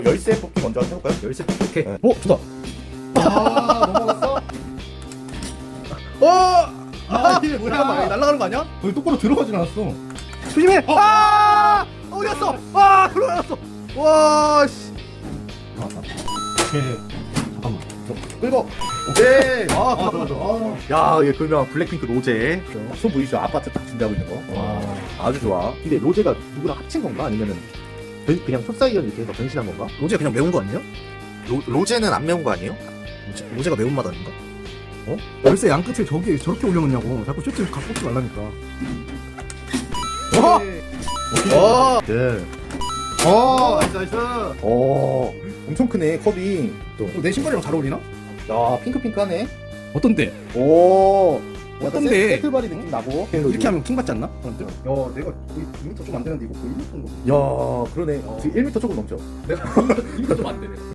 열쇠 뽑기 먼저 해볼까요? 열쇠 뽑기. 오케이. 네. 좋다. 아, 넘어갔어? 이게 뭐야? 잠깐만, 날아가는 거 아니야? 거기 똑바로 들어가진 않았어. 조심해! 어디 갔어? 들어갔어! 와, 씨. 오케이. 잠깐만. 끌고. 오케이. 잠깐만. 야, 얘 그러면 블랙핑크 로제. 손 보이시죠? 아파트 딱 준비하고 있는 거. 와, 아주 좋아. 근데 로제가 누구랑 합친 건가? 아니면은 그냥 톱사이언 이렇게 해서 변신한 건가? 로제 그냥 매운 거 아니에요? 로제는 안 매운 거 아니에요? 로제가 매운맛 아닌가? 열쇠 양 끝에 저렇게 올려놓냐고. 자꾸 쇼트 갖고 오지 말라니까. 네. 나이스. 엄청 크네, 컵이. 또. 내 신발이랑 잘 어울리나? 야, 핑크핑크하네. 어떤데? 오. 어떤데? 세트바리 느낌 나고. 이렇게 하면 킹 받지 않나? 사람들? 야, 내가 거의 2m 좀 안 되는데 이거 거의 1m 정도. 야, 그러네. 지금 1m 조금 넘죠. 내가 2m 좀 안